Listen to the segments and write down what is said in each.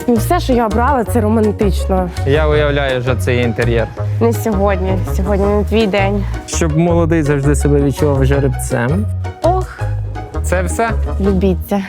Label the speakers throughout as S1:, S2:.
S1: І все, що я обрала, це романтично.
S2: Я уявляю, що це є інтер'єр.
S1: Не сьогодні. Сьогодні не твій день.
S2: Щоб молодий завжди себе відчував жеребцем.
S1: Ох,
S2: Це все?
S1: любіться.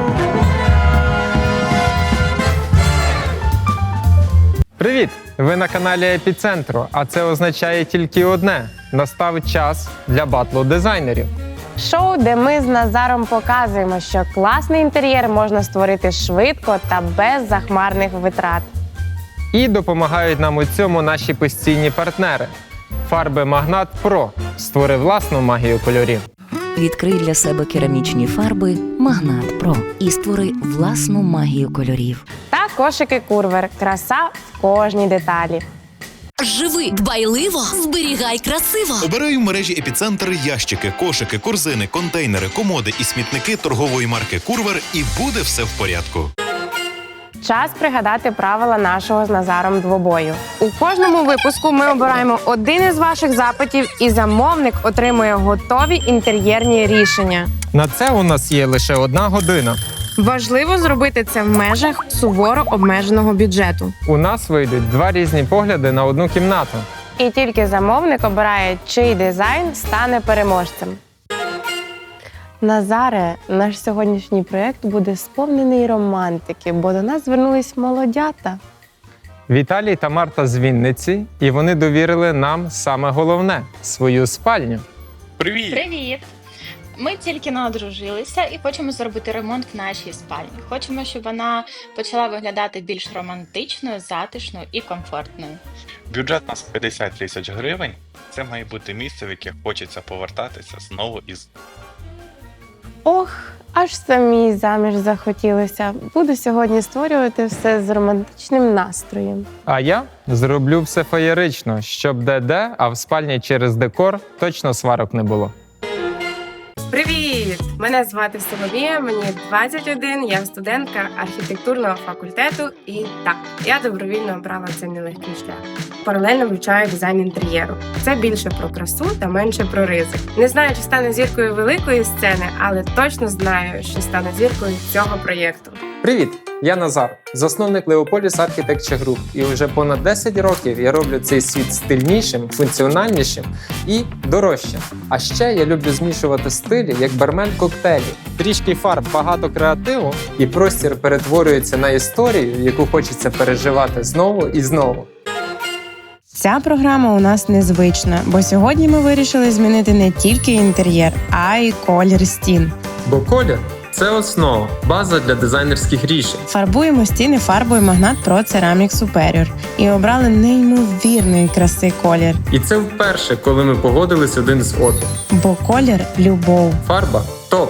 S2: Привіт! Ви на каналі Епіцентру, а це означає тільки одне – настав час для батлу дизайнерів.
S1: Шоу, де ми з Назаром показуємо, що класний інтер'єр можна створити швидко та без захмарних витрат.
S2: І допомагають нам у цьому наші постійні партнери. Фарби Магнат Про. Створи власну магію кольорів.
S3: Відкрий для себе керамічні фарби Магнат Про і створи власну магію кольорів.
S1: Та кошики Курвер. Краса в кожній деталі.
S4: Живи дбайливо, зберігай красиво.
S5: Обирай в мережі «Епіцентр» ящики, кошики, корзини, контейнери, комоди і смітники торгової марки «Курвер» і буде все в порядку.
S1: Час пригадати правила нашого з Назаром двобою. У кожному випуску ми обираємо один із ваших запитів, і замовник отримує готові інтер'єрні рішення.
S2: На це у нас є лише 1 година.
S1: Важливо зробити це в межах суворо обмеженого бюджету.
S2: У нас вийдуть 2 різні погляди на 1 кімнату.
S1: І тільки замовник обирає, чий дизайн стане переможцем. Назаре, наш сьогоднішній проєкт буде сповнений романтики, бо до нас звернулись молодята.
S2: Віталій та Марта з Вінниці, і вони довірили нам саме головне – свою спальню.
S5: Привіт!
S6: Привіт! Ми тільки одружилися і хочемо зробити ремонт в нашій спальні. Хочемо, щоб вона почала виглядати більш романтичною, затишною і комфортною.
S7: Бюджет у нас 50 тисяч гривень. Це має бути місце, в яке хочеться повертатися знову і знову.
S1: Ох, аж самій заміж захотілося. Буду сьогодні створювати все з романтичним настроєм.
S2: А я зроблю все феєрично, щоб де-де, а в спальні через декор точно сварок не було.
S1: Привіт! Мене звати Соломія, мені 21, я студентка архітектурного факультету і так, я добровільно обрала цей нелегкий шлях. Паралельно вивчаю дизайн інтер'єру. Це більше про красу та менше про ризик. Не знаю, чи стану зіркою великої сцени, але точно знаю, що стану зіркою цього проєкту.
S2: Привіт! Я Назар, засновник Leopolis Architecture Group. І вже понад 10 років я роблю цей світ стильнішим, функціональнішим і дорожчим. А ще я люблю змішувати стилі, як бармен коктейлі. Трішки фарб, багато креативу, і простір перетворюється на історію, яку хочеться переживати знову і знову.
S1: Ця програма у нас незвична, бо сьогодні ми вирішили змінити не тільки інтер'єр, а й колір стін.
S2: Бо колір – це основа, база для дизайнерських рішень.
S1: Фарбуємо стіни фарбою Магнат Pro Ceramic Superior і обрали неймовірної краси колір.
S2: І це вперше, коли ми погодились один з одним.
S1: Бо колір – любов.
S2: Фарба – топ.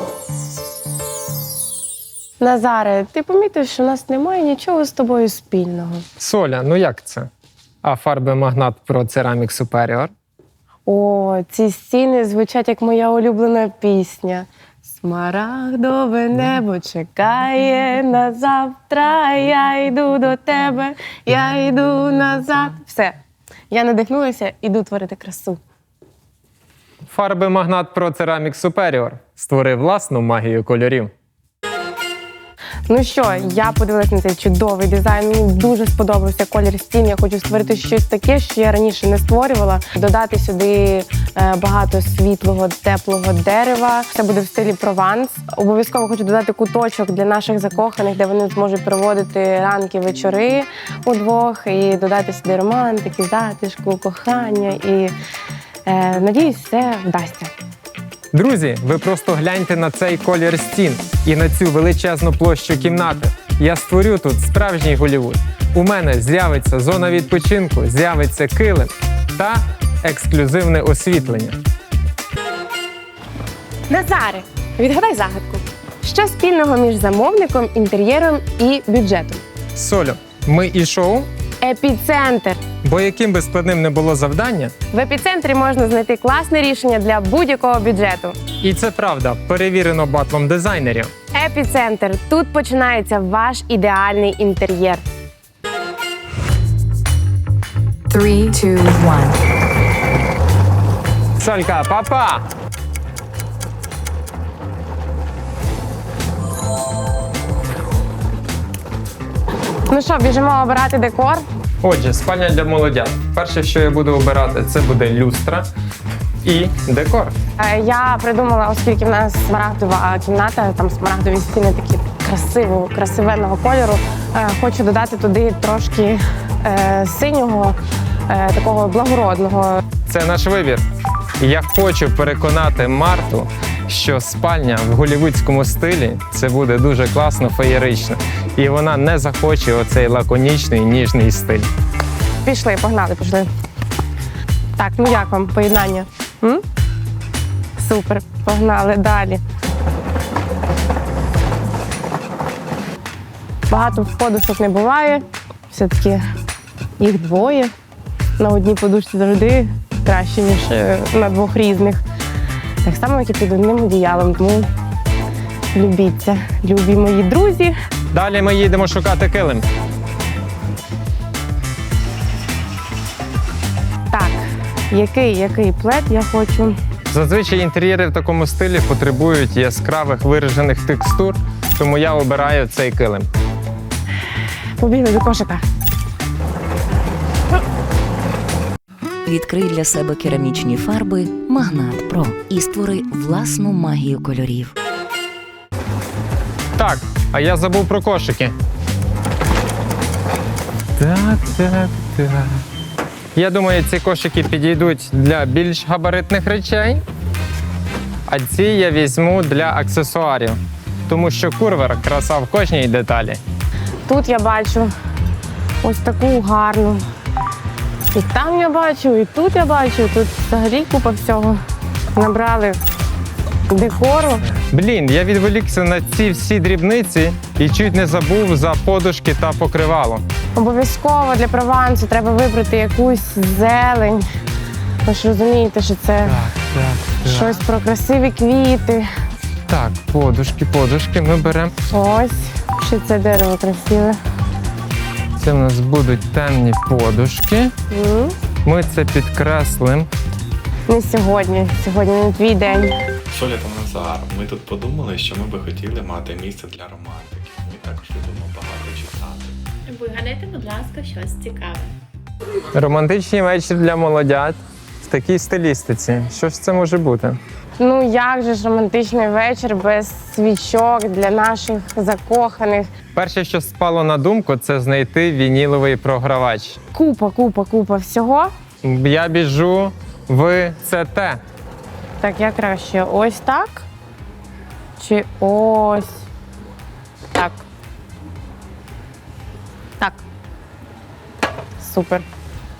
S1: Назаре, ти помітив, що у нас немає нічого з тобою спільного?
S2: Соля, ну як це? А фарби Магнат Pro Ceramic Superior?
S1: О, ці стіни звучать як моя улюблена пісня. Смарагдове небо чекає на завтра, я йду до тебе, я йду назад. Все, я надихнулася, іду творити красу.
S2: Фарби Магнат Pro Ceramic Superior. Створи власну магію кольорів.
S1: Ну що, я подивилась на цей чудовий дизайн, мені дуже сподобався колір стін. Я хочу створити щось таке, що я раніше не створювала. Додати сюди багато світлого, теплого дерева. Це буде в стилі Прованс. Обов'язково хочу додати куточок для наших закоханих, де вони зможуть проводити ранки, вечори удвох. І додати сюди романтики, затишку, кохання. І надіюсь, все вдасться.
S2: Друзі, ви просто гляньте на цей колір стін і на цю величезну площу кімнати. Я створю тут справжній Голлівуд. У мене з'явиться зона відпочинку, з'явиться килим та ексклюзивне освітлення.
S1: Назаре, відгадай загадку. Що спільного між замовником, інтер'єром і бюджетом?
S2: Солю, ми і шоу,
S1: Епіцентр.
S2: бо яким би складним не було завдання,
S1: В епіцентрі можна знайти класне рішення для будь-якого бюджету.
S2: і це правда, перевірено батлом дизайнерів.
S1: Епіцентр. Тут починається ваш ідеальний інтер'єр.
S3: 3, 2, 1.
S2: Солька, папа!
S1: Ну що, біжимо обирати декор.
S2: Отже, спальня для молодят. Перше, що я буду обирати, це буде люстра і декор.
S1: Я придумала, оскільки в нас смарагдова кімната, там смарагдові стіни такі красивенного кольору. Хочу додати туди трошки синього, такого благородного.
S2: Це наш вибір. Я хочу переконати Марту, що спальня в голлівудському стилі це буде дуже класно, феєрично. І вона не захоче оцей лаконічний, ніжний стиль.
S1: Пішли, погнали. Так, ну як вам поєднання? М? Супер, погнали далі. Багато подушок не буває, все-таки їх двоє. На одній подушці завжди краще, ніж на двох різних. Так само, як і під одним одіялом, тому любіться, любі мої друзі.
S2: Далі ми їдемо шукати килим.
S1: Так, який плед я хочу?
S2: Зазвичай інтер'єри в такому стилі потребують яскравих виражених текстур, тому я обираю цей килим.
S1: Побігли до кошика.
S3: Відкрий для себе керамічні фарби Магнат Про і створи власну магію кольорів.
S2: Так, а я забув про кошики. Так. Я думаю, ці кошики підійдуть для більш габаритних речей, а ці я візьму для аксесуарів, тому що курвер – краса в кожній деталі.
S1: Тут я бачу ось таку гарну. І там я бачу, і тут я бачу. Тут взагалі купа всього. Набрали декору.
S2: Блін, я відволікся на ці всі дрібниці і чуть не забув за подушки та покривало.
S1: Обов'язково для провансу треба вибрати якусь зелень. Ви ж розумієте, що це щось про красиві квіти.
S2: Так, подушки ми беремо.
S1: Ось, ще це дерево красиве.
S2: Це в нас будуть темні подушки. Ми це підкреслимо.
S1: Не сьогодні. Сьогодні не твій день.
S8: Соля та Назар, ми тут подумали, що ми би хотіли мати місце для романтики. Ми також любимо багато читати.
S6: Вигадайте, будь ласка, щось цікаве.
S2: Романтичний вечір для молодят в такій стилістиці. Що ж це може бути?
S1: Ну як же ж романтичний вечір без свічок для наших закоханих.
S2: Перше, що спало на думку, це знайти вініловий програвач.
S1: Купа всього.
S2: Я біжу в ЦТ.
S1: Так, як краще? Ось так? Чи ось так? Так. Супер.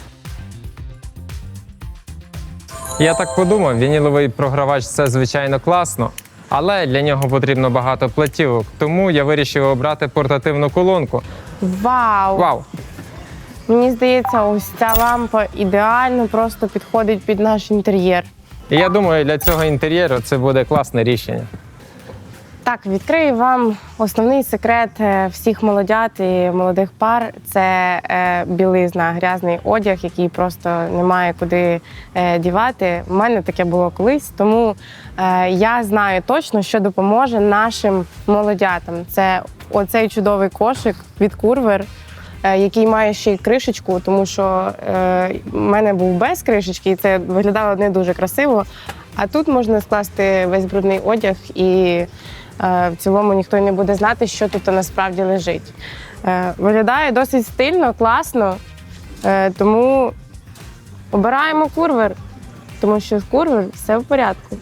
S2: Я так подумав, вініловий програвач – це, звичайно, класно, але для нього потрібно багато платівок, тому я вирішив обрати портативну колонку.
S1: Вау!
S2: Вау!
S1: Мені здається, ось ця лампа ідеально просто підходить під наш інтер'єр.
S2: І я думаю, для цього інтер'єру це буде класне рішення.
S1: Так, відкрию вам основний секрет всіх молодят і молодих пар – це білизна, грязний одяг, який просто немає куди дівати. У мене таке було колись, тому я знаю точно, що допоможе нашим молодятам. Це оцей чудовий кошик від Курвер, який має ще й кришечку, тому що в мене був без кришечки, і це виглядало не дуже красиво. А тут можна скласти весь брудний одяг і в цілому ніхто не буде знати, що тут насправді лежить. Виглядає досить стильно, класно, тому обираємо Курвер, тому що з Курвер все в порядку.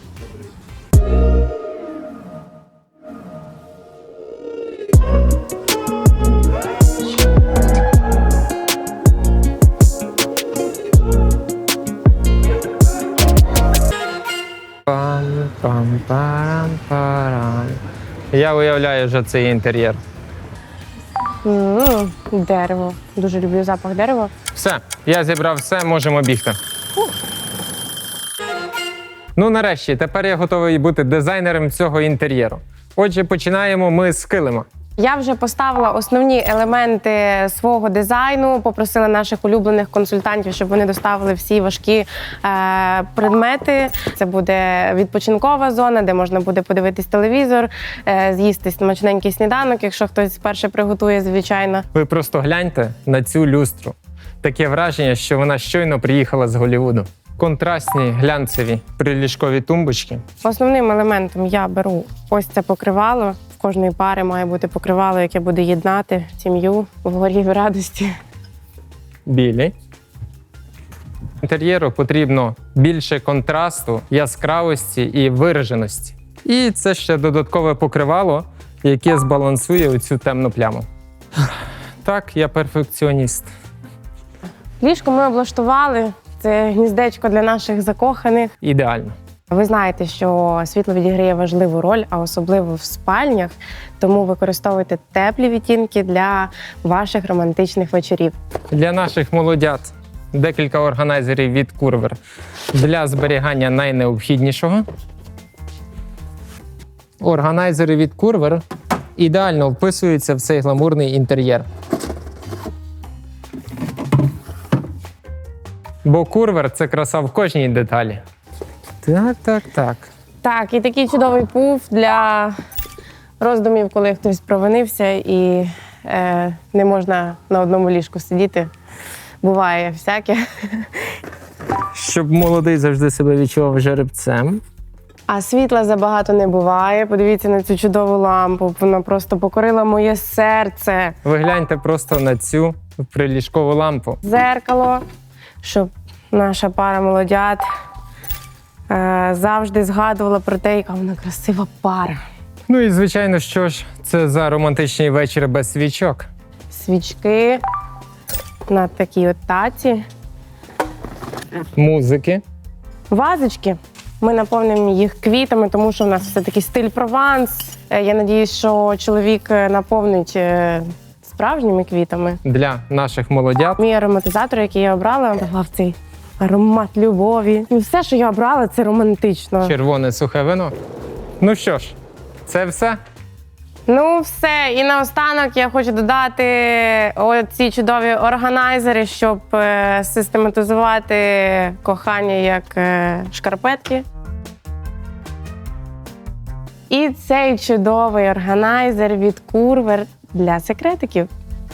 S2: Пам-пам-парам-парам. Я уявляю вже цей інтер'єр.
S1: Дерево. Дуже люблю запах дерева.
S2: Все, я зібрав все, можемо бігти. Ну, нарешті, тепер я готовий бути дизайнером цього інтер'єру. Отже, починаємо ми з килима.
S1: Я вже поставила основні елементи свого дизайну, попросила наших улюблених консультантів, щоб вони доставили всі важкі предмети. Це буде відпочинкова зона, де можна буде подивитись телевізор, з'їсти смачненький сніданок, якщо хтось вперше приготує, звичайно.
S2: Ви просто гляньте на цю люстру. Таке враження, що вона щойно приїхала з Голлівуду. Контрастні, глянцеві, приліжкові тумбочки.
S1: Основним елементом я беру ось це покривало. В кожної пари має бути покривало, яке буде єднати сім'ю в горі в радості.
S2: Білі. Інтер'єру потрібно більше контрасту, яскравості і вираженості. І це ще додаткове покривало, яке збалансує оцю темну пляму. Так, я перфекціоніст.
S1: Ліжко ми облаштували. Це гніздечко для наших закоханих.
S2: Ідеально.
S1: Ви знаєте, що світло відіграє важливу роль, а особливо в спальнях, тому використовуйте теплі відтінки для ваших романтичних вечорів.
S2: Для наших молодят декілька органайзерів від Curver для зберігання найнеобхіднішого. Органайзери від Curver ідеально вписуються в цей гламурний інтер'єр. Бо Curver – це краса в кожній деталі. Так.
S1: Так, і такий чудовий пуф для роздумів, коли хтось провинився і не можна на одному ліжку сидіти. Буває всяке.
S2: Щоб молодий завжди себе відчував жеребцем.
S1: А світла забагато не буває. Подивіться на цю чудову лампу. Вона просто покорила моє серце.
S2: Ви гляньте просто на цю приліжкову лампу.
S1: Зеркало, щоб наша пара молодят завжди згадувала про те, яка вона красива пара.
S2: Ну і, звичайно, що ж це за романтичний вечір без свічок?
S1: Свічки на такій от таці.
S2: Музики.
S1: Вазочки. Ми наповнимо їх квітами, тому що в нас все-таки стиль Прованс. Я надіюсь, що чоловік наповнить справжніми квітами.
S2: Для наших молодят.
S1: Мій ароматизатор, який я обрала, давав цей аромат любові. І все, що я обрала, це романтично.
S2: Червоне сухе вино. Ну що ж, це все?
S1: Ну, все. І наостанок я хочу додати оці чудові органайзери, щоб систематизувати кохання як шкарпетки. І цей чудовий органайзер від Curver для секретиків.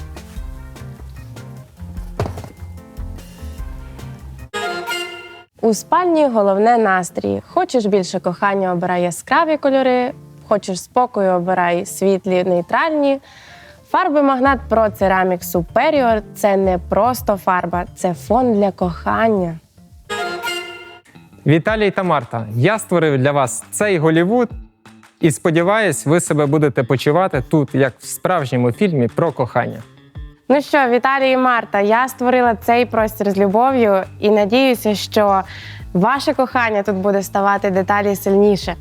S1: У спальні головне настрій. Хочеш більше кохання – обирай яскраві кольори. Хочеш спокою – обирай світлі, нейтральні. Фарби Магнат Pro Ceramic Superior – це не просто фарба, це фон для кохання.
S2: Віталій та Марта, я створив для вас цей Голлівуд і сподіваюсь, ви себе будете почувати тут, як в справжньому фільмі про кохання.
S1: Ну що, Віталій і Марта, я створила цей простір з любов'ю і надіюся, що ваше кохання тут буде ставати дедалі сильніше.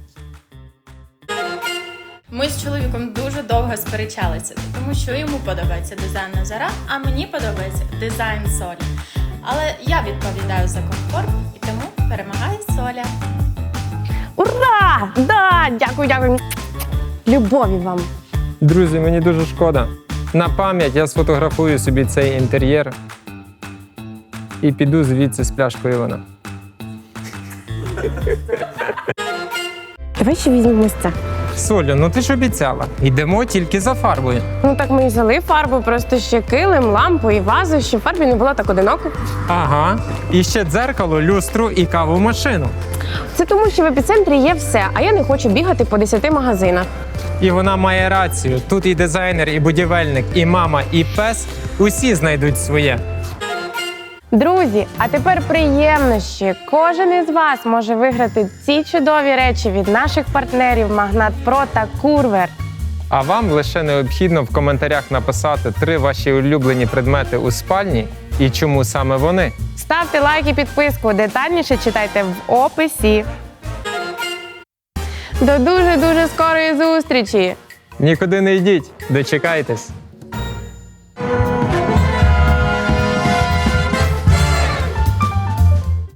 S6: Ми з чоловіком дуже довго сперечалися, тому що йому подобається дизайн Назара, а мені подобається дизайн Солі. Але я відповідаю за комфорт, і тому перемагає Соля.
S1: Ура! Да! Дякую! Любові вам!
S2: Друзі, мені дуже шкода. На пам'ять я сфотографую собі цей інтер'єр і піду звідси з пляшкою вина.
S1: Давай ще візьмемо ось це.
S2: Солю, ну ти ж обіцяла. Йдемо тільки за фарбою.
S1: Ну так ми і взяли фарбу, просто ще килим, лампу і вазу, щоб фарбі не було так одиноко.
S2: Ага. І ще дзеркало, люстру і каву машину.
S1: Це тому, що в епіцентрі є все, а я не хочу бігати по 10 магазинах.
S2: І вона має рацію. Тут і дизайнер, і будівельник, і мама, і пес – усі знайдуть своє.
S1: Друзі, а тепер приємнощі. Кожен із вас може виграти ці чудові речі від наших партнерів Магнат Про та Curver.
S2: А вам лише необхідно в коментарях написати 3 ваші улюблені предмети у спальні і чому саме вони.
S1: Ставте лайк і підписку, детальніше читайте в описі. До дуже-дуже скорої зустрічі!
S2: Нікуди не йдіть, дочекайтесь.